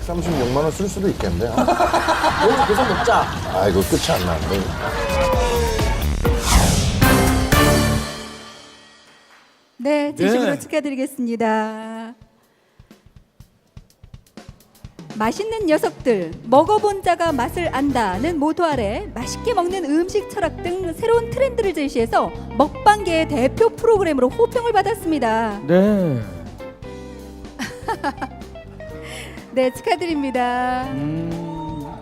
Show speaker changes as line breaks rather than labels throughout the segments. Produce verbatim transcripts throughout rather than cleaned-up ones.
백삼십육만 원 쓸 수도 있겠네요.
오늘 계속 먹자.
아, 이거 끝이 안 나는데.
네, 진심으로
네.
축하드리겠습니다. 맛있는 녀석들, 먹어본 자가 맛을 안다는 모토 아래 맛있게 먹는 음식 철학 등 새로운 트렌드를 제시해서 먹방계의 대표 프로그램으로 호평을 받았습니다.
네.
네, 축하드립니다.
음.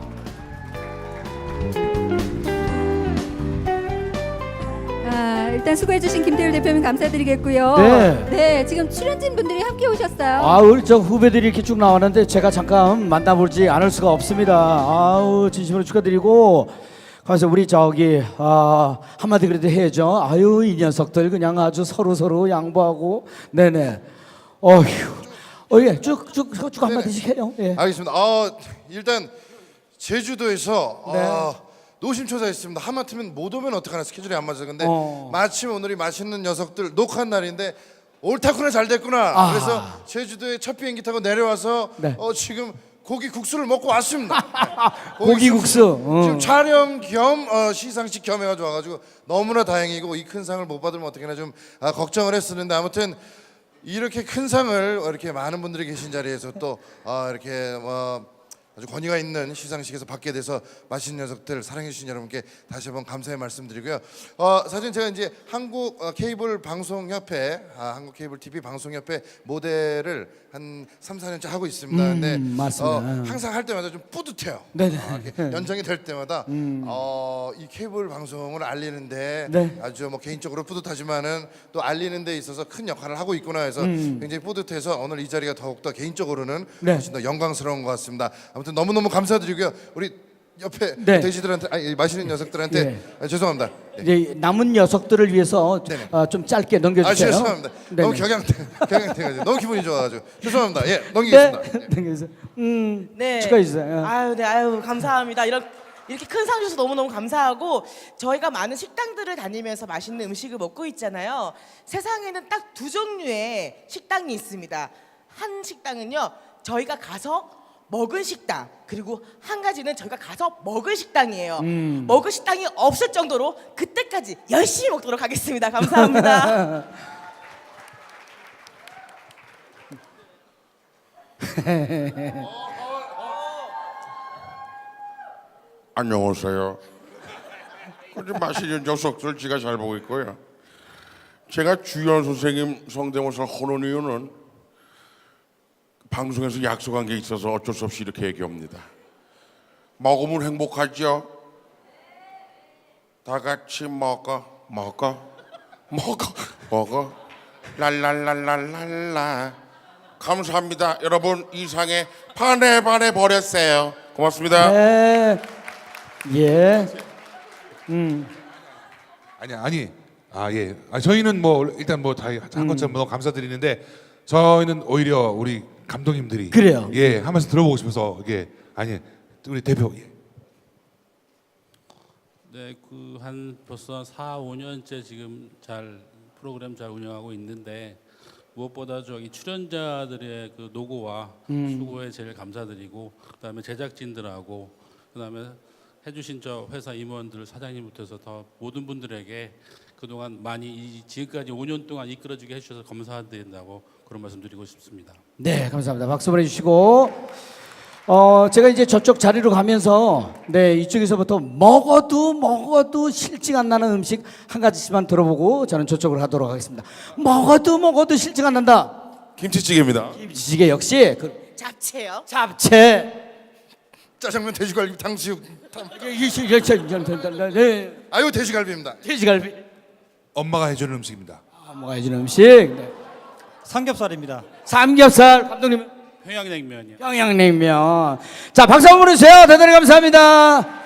아, 일단 수고해주신 김태율 대표님 감사드리겠고요.
네.
네, 지금 출연진 분들이 함께 오셨어요.
아, 우리 저 후배들이 이렇게 쭉 나왔는데 제가 잠깐 만나보지 않을 수가 없습니다. 아우, 진심으로 축하드리고. 그래서 우리 저기 아, 한마디 그래도 해야죠. 아유, 이 녀석들 그냥 아주 서로 서로 양보하고. 네네. 어휴. 어, 예, 쭉쭉쭉 한마디씩 해요. 예.
알겠습니다. 어, 일단 제주도에서
네.
어, 노심초사했습니다. 하마터면 못 오면 어떡하나 스케줄이 안 맞아서 근데
어.
마침 오늘이 맛있는 녀석들 녹화한 날인데 옳다구나 잘 됐구나.
아.
그래서 제주도에 첫 비행기 타고 내려와서
네.
어, 지금 고기 국수를 먹고 왔습니다.
고기 국수. 어.
지금 촬영 겸 어, 시상식 겸 해가지고 와가지고 너무나 다행이고 이 큰 상을 못 받으면 어떡하나 좀 아, 걱정을 했었는데 아무튼 이렇게 큰 상을 이렇게 많은 분들이 계신 자리에서 또 어, 이렇게 뭐 아주 권위가 있는 시상식에서 받게 돼서 맛있는 녀석들 사랑해 주신 여러분께 다시 한번 감사의 말씀드리고요. 어, 사실 제가 이제 한국 어, 케이블 방송협회, 아, 한국 케이블 티비 방송협회 모델을 한 삼, 사 년째 하고 있습니다.
음,
근데
맞습니다.
어, 항상 할 때마다 좀 뿌듯해요.
네네.
아, 이렇게 연장이 될 때마다 어, 이 케이블 방송을 알리는데
네.
아주 뭐 개인적으로 뿌듯하지만은 또 알리는 데 있어서 큰 역할을 하고 있구나 해서 굉장히 뿌듯해서 오늘 이 자리가 더욱더 개인적으로는
네.
훨씬 더 영광스러운 것 같습니다. 아무튼 너무너무 감사드리고요. 우리 옆에
네.
돼지들한테 아니 맛있는 녀석들한테
예.
아, 죄송합니다. 예.
이제 남은 녀석들을 위해서
네네.
어, 좀 짧게
아
넘겨주세요.
죄송합니다.
네네.
너무 격양돼 격양돼가지고 너무 기분이 좋아가지고 죄송합니다. 예
네,
넘기겠습니다. 예.
넘겨주세요. 음,
네.
축하해 주세요.
아유, 네, 아유, 감사합니다. 이런 이렇게 큰 상 주셔서 너무너무 감사하고 저희가 많은 식당들을 다니면서 맛있는 음식을 먹고 있잖아요. 세상에는 딱 두 종류의 식당이 있습니다. 한 식당은요, 저희가 가서 먹은 식당, 그리고 한 가지는 저희가 가서 먹을 식당이에요.
음.
먹을 식당이 없을 정도로 그때까지 열심히 먹도록 하겠습니다. 감사합니다.
안녕하세요. 아주 맛있는 녀석들 제가 잘 보고 있고요. 제가 주연 선생님 성대모사를 하는 이유는 방송에서 약속한 게 있어서 어쩔 수 없이 이렇게 얘기합니다. 먹으면 행복하죠? 다 같이 먹어, 먹어, 먹어, 먹어. 랄랄랄랄랄라. 감사합니다. 여러분 이상에 반에 반에 버렸어요. 고맙습니다.
네. 예. 음.
아니 아니 아 예. 아, 저희는 뭐 일단 뭐 다 한 것처럼 너무 감사드리는데 저희는 오히려 우리 감독님들이
그래요.
예 하면서 들어보고 싶어서 이게 아니 우리 대표 예.
네, 그 한 벌써 사, 오 년째 지금 잘 프로그램 잘 운영하고 있는데 무엇보다 저기 출연자들의 그 노고와 수고에 제일 감사드리고 그다음에 제작진들하고 그다음에 해주신 저 회사 임원들 사장님부터 더 모든 분들에게 그동안 많이 이 지금까지 오 년 동안 이끌어주게 해주셔서 감사드린다고 그런 말씀드리고 싶습니다.
네, 감사합니다. 박수 보내주시고, 어 제가 이제 저쪽 자리로 가면서 네 이쪽에서부터 먹어도 먹어도 실증 안 나는 음식 한 가지씩만 들어보고 저는 저쪽으로 가도록 하겠습니다. 먹어도 먹어도 실증 안 난다.
김치찌개입니다.
김치찌개 역시 그
잡채요.
잡채.
짜장면, 돼지갈비, 탕수육. 탕...
네.
아유 돼지갈비입니다.
돼지갈비.
엄마가 해주는 음식입니다.
아, 뭐가 해주는 음식. 네.
삼겹살입니다.
삼겹살. 감독님.
평양냉면이요.
평양냉면. 자, 박수 한번 보내주세요. 대단히 감사합니다.